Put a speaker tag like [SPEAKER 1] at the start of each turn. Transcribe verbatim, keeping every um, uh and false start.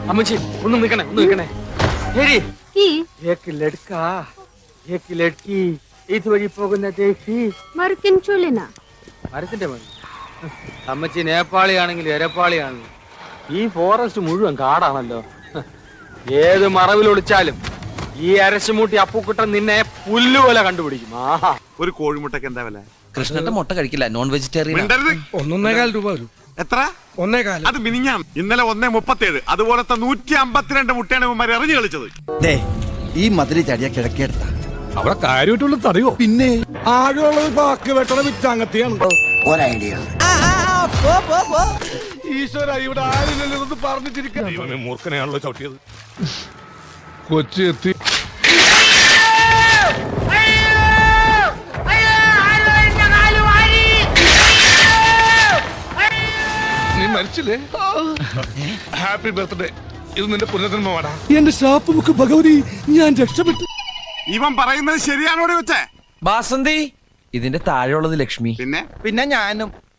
[SPEAKER 1] അമ്മച്ചി ഒന്ന് നിൽക്കണേ ഒന്ന് നിൽക്കണേ ഇതുവഴി പോകുന്ന മരത്തിന്റെ മതി. അമ്മച്ചി നേപ്പാളിയാണെങ്കിലും എരപ്പാളിയാണെങ്കിലും ഈ ഫോറസ്റ്റ് മുഴുവൻ കാടാണല്ലോ. ഏത് മറവിൽ ഒളിച്ചാലും ഈ അരശുമൂട്ടി അപ്പുക്കുട്ടൻ നിന്നെ പുല്ലുപോലെ കണ്ടുപിടിക്കും. ആഹാ,
[SPEAKER 2] ഒരു കോഴിമുട്ടക്ക് എന്താ വില?
[SPEAKER 3] കൃഷ്ണന്റെ മുട്ട കഴിക്കില്ല, നോൺ വെജിറ്റേറിയൻ.
[SPEAKER 4] ഒന്നേകാൽ രൂപ വരും.
[SPEAKER 2] എത്ര?
[SPEAKER 4] ഒന്നേകാൽ.
[SPEAKER 2] അത് മിനിഞ്ഞാം. ഇന്നലെ ഒന്നേ മുപ്പത്തേഴ്. അതുപോലത്തെ നൂറ്റി അമ്പത്തിരണ്ട് മുട്ടയാണ് ഇവന്മാർ എറിഞ്ഞു കളിച്ചത്.
[SPEAKER 5] ഈ മതിരി ചടിയ കിഴക്കേടുത്ത
[SPEAKER 4] അവിടെ കാര്യമായിട്ടുള്ള തടയോ? പിന്നെ ആകെയുള്ളത് ബാക്കി വെട്ടണ വിറ്റാങ്ങത്തിയാണ്.
[SPEAKER 5] ഒരൈഡിയ
[SPEAKER 4] ഈശ്വര, ഇവിടെ ആരില്ലല്ലോ പറഞ്ഞിട്ടിരിക്കാൻ. മൂർഖനെയാണല്ലോ ചവിട്ടിയത്. കൊച്ചി എത്തി. നീ മരിച്ചില്ലേ? Happy birthday. ഇത് നിന്റെ പുനർജന്മമാടാ. എന്റെ ശാപ്പ് മുക്ക് ഭഗവതി, ഞാൻ രക്ഷപ്പെട്ടു.
[SPEAKER 2] ഇവൻ പറയുന്നത് ശരിയാണോടെ വെച്ചേ?
[SPEAKER 3] ബാസന്തി, ഇതിന്റെ താഴെയുള്ളത് ലക്ഷ്മി.
[SPEAKER 2] പിന്നെ
[SPEAKER 3] പിന്നെ ഞാനും.